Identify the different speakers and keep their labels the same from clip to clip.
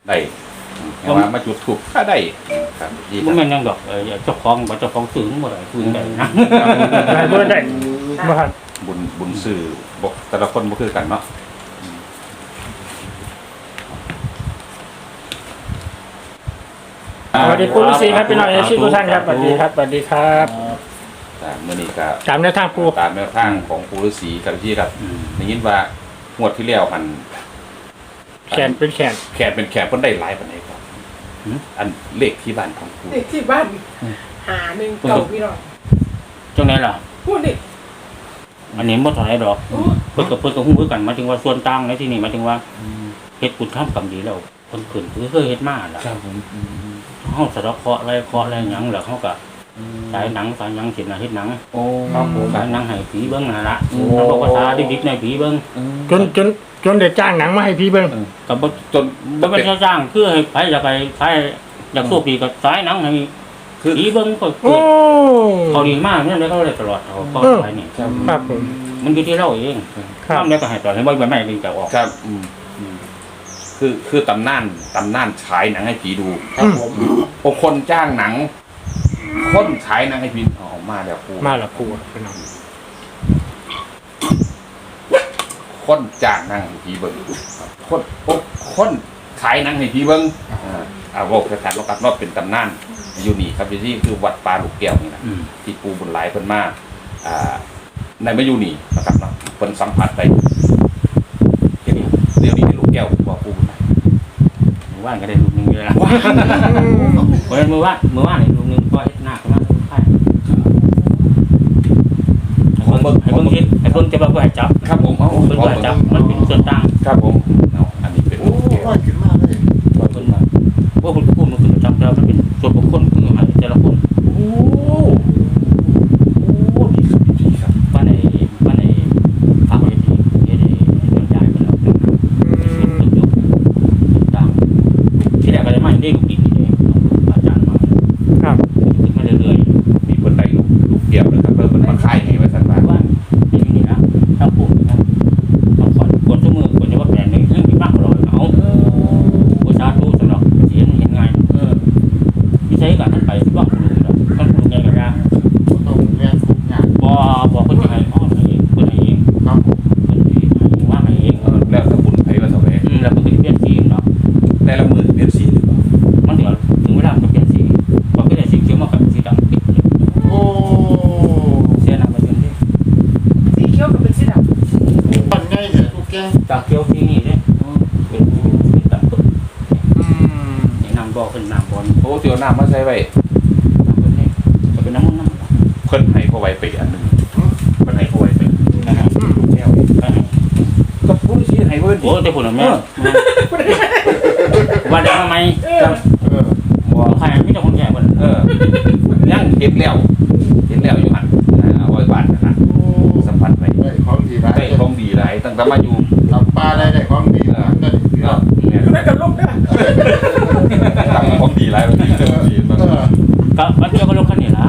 Speaker 1: ได้แต่ว่ามาจุดถูกถ้าได้ครับดีค
Speaker 2: มั
Speaker 1: รั
Speaker 2: น
Speaker 1: บ
Speaker 2: แม่นยังดอกเจ้าของบ่เจ้าของซื้อหมดเลยคุยได้นะ
Speaker 3: ได้บ่ได้บ่ครับ
Speaker 1: บุญสื่อบอกแต่ละคนบ่คือกันเนาะ
Speaker 3: สวัสดีคุณฤาษีครับพี่น้องเอฟซีทุกท่านครับสวัสดีครับสวัสดีครับ
Speaker 1: เมื่อนี้ก็
Speaker 3: ตามแนวทางปู
Speaker 1: ตามแนวทางของปู่ฤาษีครับพี่ครับได้ยินว่างวดที่แล้วมัน
Speaker 3: แขนเป็นแขน
Speaker 1: แขกเป็นแขกเพิ่นได้หลายปานใดครับอันเลขที่บ้านของปู่
Speaker 4: เด็กที่บ้านหาหนึ่งเก่าพี่น้อง
Speaker 2: จังได๋ล่ะ
Speaker 4: พูดดิ
Speaker 2: อันนี้บ่เท่าไหร่ดอก
Speaker 4: โอ้
Speaker 2: เพิ่นก็ฮู้คือกันหมายถึงว่าส่วนต่างในที่นี้หมายถึงว่าเฮ็ดบุญทำกรรมดีแล้วเพิ่นขึ้นคือเคยเฮ็ดมาล่ะ
Speaker 1: ครับผม
Speaker 2: เฮาสะเดาะเคราะห์อะไรเคราะห์อะไรหยังแล้วเฮาก็ฉายหนังหยังเฮ็ดหนัง
Speaker 1: โอ้
Speaker 2: ครับผมฉายหนังให้ผีเบิ่งนั่นล่ะเราบอกภาษาดิบๆในผีเบิ่ง
Speaker 3: จนได้จ้างหนังมาให้พี่เบิ่ง
Speaker 2: ก็บ่
Speaker 1: จน
Speaker 2: บ่เป็นจ้างคือให้ไผอยากไปไผอยากโชคดีก็ฉายหนังให้
Speaker 1: คือ
Speaker 2: ผีเบิ่งก็
Speaker 3: โอ้
Speaker 2: เขาดีมากนั่นเลยเขาเลยตลอดเขาไปนี่
Speaker 3: ครับผม
Speaker 2: มันอยู่ที่เราเอง
Speaker 3: ครับ
Speaker 2: ทำแล้วก็ให้ต่อให้บ่ไม่ดึงจะออก
Speaker 1: ครับคือตำนานฉายหนังให้ผีดู
Speaker 3: ครับผม
Speaker 1: พอคนจ้างหนัง คนฉายหนังให้ผีออกมาแล้วปู่
Speaker 3: มาละปูพี่น้อง
Speaker 1: คนจ้างหนังให้ผีเบิ่งคนฉายหนังให้ผีเบิ่งบอกสถานเรากับรอบเป็นตำนานอยู่นี่ครับที่คือวัดป่าลูกแก้วนี่นะ ที่ปูบุญหลายเพิ่นมาในมาอยู่นี่นะครับเนาะเพิ่นสัมผัสไปเดี๋ยวนี้ลูกแก้วว่าปูบุญหลาย
Speaker 2: มือว่านก็ได้ลูกนึงเลยละเพราะฉะนั้นมือว่านลูกนึงก็เฮ็ดหน้าก็มาใช่ให้เบิ่งคิดให้เบิ่งจะบ่ให้จับ
Speaker 1: ครับผมเอา
Speaker 2: เบิ่งบ่ให้จับมันเป็นส่วนต่าง
Speaker 1: ครับผมเอาอันนี้เป็นลูกแก้ว
Speaker 5: ว่าขึ้นมาเลย
Speaker 2: ว่าเพิ่นว่าว่าคุณพูดมันคือจับแล้วมันเป็นส่วนบุคคลคือให้แต่ละคน
Speaker 1: โอ้ดีครับดีครับ
Speaker 2: ว่าในฝากไว้ที่เฮ็ดให้บรรยายไปแล้วต่างที่แรกก็ได้มาได้ลูกดินนี่เองอาจารย์มา
Speaker 3: ครับ
Speaker 2: ขึ้นมาเรื่อย
Speaker 1: มีเพิ่นได้ลูกแก้วนะครับเพิ่นมาค่ายให้ว่าซั่นว่า
Speaker 2: ๆว่าอย่างนี้นะถ้าพูดนะต้องขอคนทุกมือคนจะว่าแผนนึงเรื่องมีมากกว่าเราเอาผู้ชาตู้สำหรับเสียงเห็นไงที่ใช้การท่านไปที่ว่าคุณลุงเนาะท่านคุณลุงไงกันนะ
Speaker 5: ต้องเรียนทุกอย่าง
Speaker 2: บอกคนจะให้อ้อมให้เองคนให้เอง
Speaker 5: ครับผม
Speaker 2: คนที่ให้ว่าให้เอง
Speaker 1: แล้วถ้าบุญไผว่าซะแหว
Speaker 2: แล้วมันก็จะเปลี่ยนสีเนาะ
Speaker 1: แต่ละมือเปลี่ยนสีหรือเปล่า
Speaker 2: มันเดี๋ยวถึงเวลามันเปลี่ยนสีพอเปลี่ยนสีเขียวมากับสีดำปิดเลย
Speaker 5: โอ้
Speaker 2: เสียหนักไปจนที่
Speaker 4: สีเขียวกับเป็นสีดำ
Speaker 5: ปันง่ายเนี่ยทุกแก
Speaker 2: จากเขียวที่นี่เนี่ยเป็นดำปึ๊บนี่นำบ่อขึ้นน้ำบอล
Speaker 1: โอ้เดี๋ยวน้ำมาใส่ไว้
Speaker 2: น้ำบอลนี่จะเป็นน้ำมันน้ำ
Speaker 1: เพิ่นให้เขาไว้ไปอันหนึงเพิ่นให้เขาไว้ไป
Speaker 2: นะครับ
Speaker 1: ลูกแก้วก็ปูฤาษีให้เพิ่น
Speaker 2: โอ้แต่ผลแม่ว่าได้มาไหม
Speaker 1: บ่
Speaker 2: ใครไม่ต้องคนแก่คน
Speaker 1: ยังเห็นแล้วอยู่หั่นเอาไว้บ้านนะสัมผัสไป
Speaker 5: ได้ของดีไร
Speaker 1: ได้ของดีหลายตั้งแต่มาอยู่
Speaker 5: ทำปลาได้ของดีหลายได้
Speaker 1: เนี่ย
Speaker 4: ไม่กับลูกนะ
Speaker 1: ตั้งของดีหลายมันดีมัน
Speaker 2: ก็มันเกี่ยวกับรถคันนี้ละ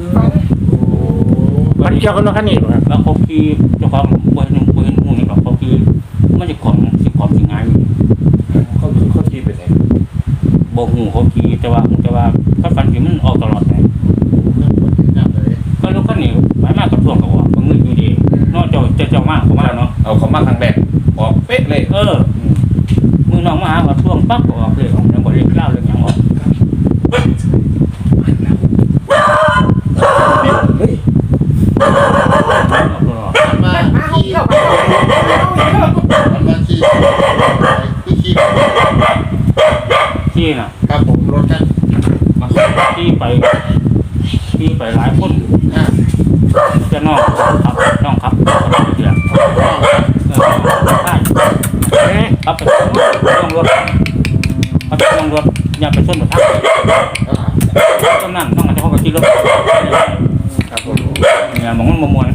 Speaker 3: มันเกี่ยวกับรถคันนี้บ่ครับ
Speaker 2: แล้วเขาขี่เจ้าของบ่เห็นหูนี่แบบเขาขี่มันจะของสิง่าย
Speaker 1: เขาขี่ไปไหน
Speaker 2: บ่หูเขาขี่แต่ว่าถ้าฟันที่มันออกตลอดไง
Speaker 5: เลย
Speaker 2: ก็รถคันนี้ไปมากกับช่วงกับว่าเงินอยู่ดีนอกจากเจ้ามากเขามาเนาะ
Speaker 1: เอาเขามาครั้งแรกออกเป๊ะเลย
Speaker 2: มือน้องมาหากับช่วงปั๊บออกเลยของยังบ่ได้เล่าเรื่องหยังออก
Speaker 1: เฮ้ย
Speaker 5: มันมา
Speaker 4: มาห้อง
Speaker 5: ขี่
Speaker 4: เที่ยวมาห้องเที่ยว
Speaker 5: มันมาขี่คือขี่
Speaker 2: ที่น่ะ
Speaker 5: ครับผมรถกัน
Speaker 2: มันที่ไปหลายคนจะน้องครับเดี๋ยวใช่ครับไปต้องรถอย่าไปชนกับทางต้องนั่งต้องเขาก็ขี่รถ
Speaker 1: ครับผม
Speaker 2: เนี่ยมองมันมวน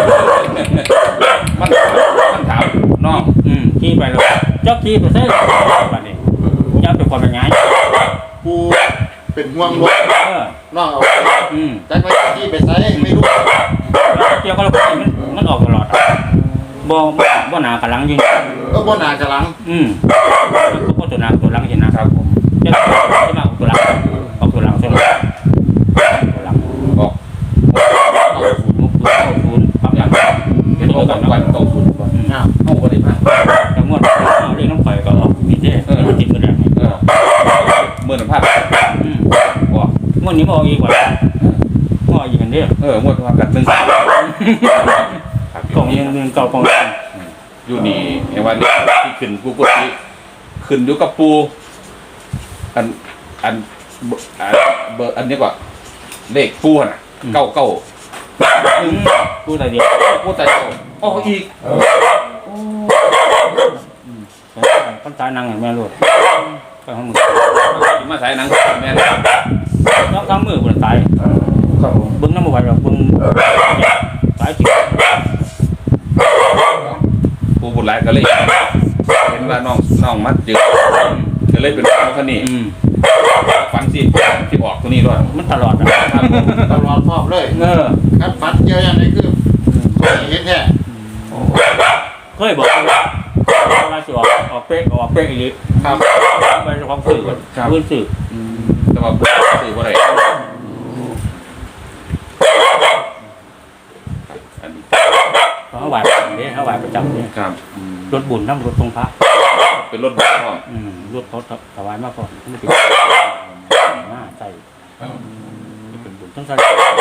Speaker 1: มันถามน้อง
Speaker 2: ขี่ไปแล้วเจ้าขี่ไปใช่แบบนี้จะเป็นความเป็นไง
Speaker 5: กูเป็นห่วงรถน้องเอาจักไว้ขี่ไปใส่ไม่รู้
Speaker 2: เกี่ยวกับรถมันออกตลอดบ่หนากระลังยิง
Speaker 5: ก็บ่นากระลัง
Speaker 2: ก็จะตัวหน้าตัวหลังเห็นนะครับ
Speaker 1: ผม
Speaker 2: จะมาออกตัวหลังออกตัวหลังตัวหลังตัวหลัง
Speaker 1: ออก
Speaker 2: มุกตัวเข้าศูนย์ปั๊บหลัง
Speaker 1: เห็นบอกกันเก้าศูนย์ก่อนเอาบ่ได้มา
Speaker 2: แต่งวดเรียกน้ำข่อยก็ออกผิดเด้มันติดมือแดง
Speaker 1: เมื่อสัมภาษณ์
Speaker 2: บอกงวดนี้มาออกอีกว่ามาออกอีกกันเด้อ
Speaker 1: งวดว่ากัน1
Speaker 2: กล่องยังเงินเก่ากล่อง
Speaker 1: อยู่นี่เห็นว่าที่ขึ้นกูกดที่ขึ้นอยู่กับปูอันเบอร์อันนี้ก่อนเลขปูน่ะเก้า
Speaker 2: พูดอะไรเดียว
Speaker 1: ปูแต่ออกอีก
Speaker 2: คนตายนางอย่างแม่ลูกไปห้องมือ
Speaker 1: มาสายหนังแม่
Speaker 2: ต้องทั้งมือคนตาย
Speaker 1: ครับผม
Speaker 2: บึ้งน้ำมันไหวหรอกบึ้งตายจริง
Speaker 1: ปูบุญหลายก็เลยเห็นว่าน้องมัดจึกก็เลยเป็นคนนี้ฟันสิที่ออกตัวนี้ด้วย
Speaker 2: มันตลอดนะครับ
Speaker 5: ตลอดรอบเลย ครับฟันเยอะอย่างนี้คือเห็นแท้
Speaker 2: เคยบอกว่าสิออกเป๊กอีก
Speaker 5: ครับ
Speaker 2: ไปเฉพาะสื่อพื้นสื่อ
Speaker 1: แต่ว่าปูสื่อว่าอะไรอันนี้
Speaker 2: เขาไหวเนี่ยเขาไหวประจำเนี่ย
Speaker 1: ครับ
Speaker 2: รถบุญน้ำรถทรงพระ
Speaker 1: เป็นรถบัสพ่อ
Speaker 2: รถเขาถวายมากกว่าไม่ติดใส่เป็นบุญต้องใส่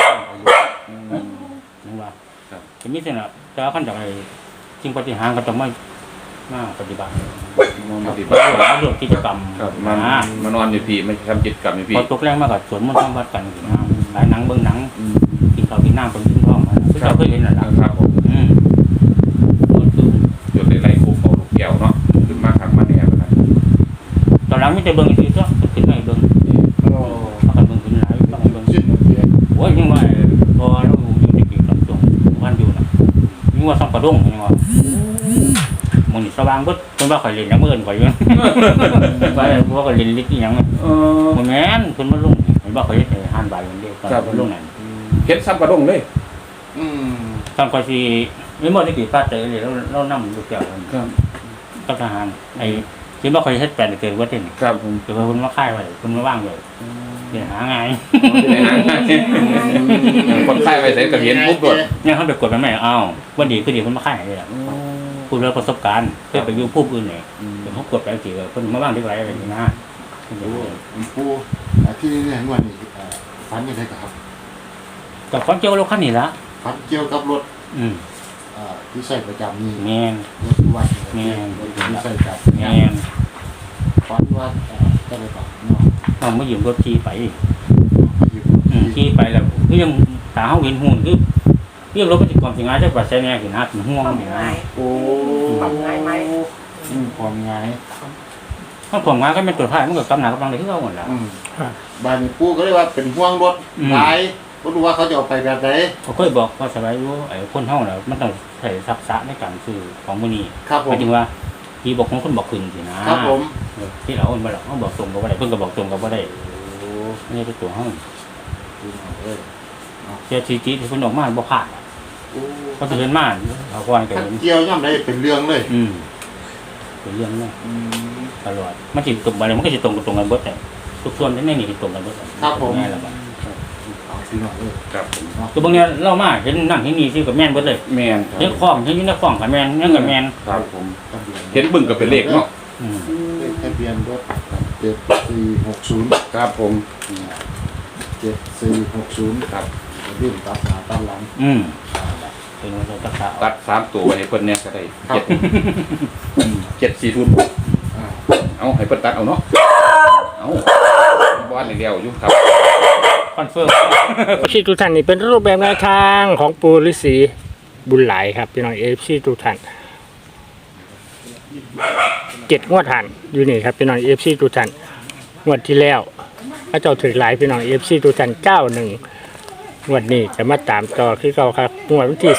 Speaker 2: นึกว่าจะมีเส้นอ่ะจะขั้นจากไอ้จริงปฏิหารก็จะไม่ปฏิบัติ
Speaker 1: ปฏิบัติ
Speaker 2: เรื่องกิจกรรม
Speaker 1: ครับมานอนอยู่พี่ไม่ทำกิจกรรมอยู่พี่
Speaker 2: พอตกแรงมากกับสวนมันต้องวัดกันหลายหนังเบิ้งหนังกินข้าวกินน้ำคนกินท้องมาเราเคยเห็นหรอ
Speaker 1: ครับผมจุดในไรคุกเอาลูกแก้วเนาะขึ้นมาขังมาเนี่ยนะ
Speaker 2: ตอนหลังไม่จะเบิ้งอีกก็ขึ้นไม่เบิ้งพักกันเบิ้งขึ้นหลายพักกันเบิ้งโอ้ยยังว่าพอเราอยู่ในปีกับตรงวันอยู่นะยังว่าซ่องกระด้งยังว่ามันสว่างปุ๊บคนว่าข่อยเล่นน้ำเงินข่อยยังไปเพราะข่อยเล่นลิขิตยังมันแม่นคนมาลงเห็นว่าข่อยจะหันใบมันเดียวตอนลงนั่น
Speaker 1: เห็นซ้ำกระดงเลย
Speaker 2: ตอนข่อยสิไม่หมดที่กี่ฟาดเตะเลยเรานั่งดูแก้ว
Speaker 1: ครับ
Speaker 2: กับทหารไอ้คิดว่าข่อยเฮ็ดแปลนเกินว่าเต้น
Speaker 1: ครับผม
Speaker 2: คือว่าคนมาค่ายไว้คนมาว่างเลยเดี๋ยวหาไง
Speaker 1: คนไข้ไปใส่กระเทียนปุ๊บด้วย
Speaker 2: เนี่ยเขาไปกดมันไม่เอาวันดีคือดีคนมาค่ายเลยพูดเรื่องประสบการณ์เพื่อไปอยู่ผู้อื่นเนี่ยเดี๋ยวเขากดไปสิคนมาว่างที่ไรอะไรอย่างนี้นะ
Speaker 5: ปูที่นี่เนี่ยวันนี้ฟันยังไงครับ
Speaker 2: กับความเจ้ารถคันนี้ละ
Speaker 5: ฟันเกี่ยวกับรถ ที่ใช้ประจำนี่
Speaker 2: แมน
Speaker 5: รถวันที่ใช้จับ
Speaker 2: แมน
Speaker 5: ฟันว่าจะไปกับน้อง
Speaker 2: ต้องมายืมรถขี่ไปขี่ไปแล้วคือยังตาเขาเห็นหุ่นคือเรื่องรถปฏิกรรมสิงห์ได้ปัจจัยแน่คือนัดห่วงอย่างนั้น
Speaker 5: โอ้ความง่าย
Speaker 2: ถ้าผมงานก็เป็นตัวท้ายมันก็กำหนักกำลังเลยที่เราหมดแล้ว
Speaker 5: บ้านปูก็เรียกว่าเป็นห่วงรถหลายก็รู้ว่าเขาจะเอาไปแบบไหน
Speaker 2: เขาเคยบอกว่าสบายรู้ไอ้คนเท่าแล้วมันต้องใส่ทักษะในการซื้อของมือนี้
Speaker 5: ครับผ
Speaker 2: หมาม ยถึงว่าที่บอกของคนบอกคืนสินะครับ
Speaker 5: ผม
Speaker 2: ที่เราคนบอกเขาบอกตรงกับว่าได้เพิ่งก็บอกตรงกับว่าได้นี่เป็นตัวห้องเจ้าทีจีที่คนออกมาบอกขาดก็จะเห็นมากเขาควรเกิด
Speaker 5: เกี่ยวย่ำได้เป็นเรื่องเลย
Speaker 2: เป็นเรื่องนี้ตลอดมันจิตตรงไปเลยมันก็จะตรงกันเบิดแต่ทุกส่วนที่ไม่มีตรงกันเบิดง่ายแล้ว
Speaker 1: ครับผม
Speaker 2: คือบางเนี่ยเล่ามากเห็นนั่งเห็นนี่ที่กับแม่นเบิดเลย
Speaker 1: แมน
Speaker 2: เห็นคล้องเห็นยุ่งในคล้องกับแม่นนั่งกับแม่น
Speaker 1: ครับผมเห็นบึ้งกับเป็นเลขเนาะ
Speaker 5: ทะเบียนรถ7460
Speaker 1: ครับผม
Speaker 5: 7460
Speaker 1: ครับ
Speaker 5: รุ่นตัดหน้าตัดหลัง
Speaker 2: เป็นวันตักษะ
Speaker 1: ตัด3ตัวไว้ให้เพิ่นเนี่ยก็ได้7 4ทุนเอาให้เพิ่นตัดเอาเนาะเอาบ้านเดียวอยู่ครับ
Speaker 2: คอนเฟิร์ม
Speaker 3: ที่ทุกท่านนี่เป็นรูปแบบแนวทางของปูฤาษีบุญหลายครับพี่น้องFCทุกท่าน7งวดหันอยู่นี่ครับพี่น้องFCทุกท่านงวดที่แล้วพระเจ้าถือหลายพี่น้องFCทุกท่าน91งวดนี้จะมาตามต่อคือเก่าครับงวดวันที่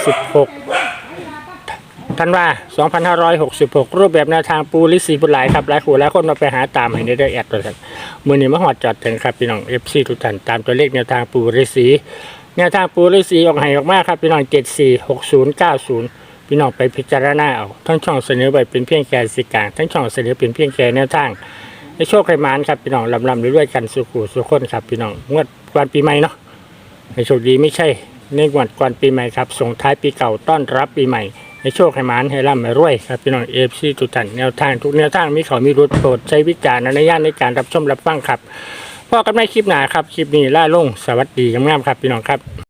Speaker 3: 16ธันวา2566รูปแบบแนวทางปูฤาษีบุญหลายครับหลายคู่หลายคนมาไปหาตามให้ได้แอดตัวท่านมื้อนี้มาฮอดจอดถึงครับพี่น้อง FC ทุกท่านตามตัวเลขแนวทางปูฤาษีแนวทางปูฤาษีออกให้ออกมาครับพี่น้อง746090พี่พี่น้องไปพิจารณาเอาทั้งช่องเสนอไปเป็นเพียงแค่สื่อกลางทั้งช่องเสนอเป็นเพียงแค่แนวทางในโชคไขมานครับพี่น้องลำด้วยกันสุขุสุขคนครับพี่น้องงวดวันปีใหม่เนาะในโชคดีไม่ใช่ในงวดก่อนปีใหม่ครับส่งท้ายปีเก่าต้อนรับปีใหม่ในโชคไขมานให้ร่ำให้รวยครับพี่น้องFCทุกท่านแนวทางทุกแนวทางมีเขามีรุดโปรดใช้วิจารณญาณในการรับชมรับฟังครับพบกันในคลิปหน้าครับคลิปนี้ล่าลงสวัสดีงามๆครับพี่น้องครับ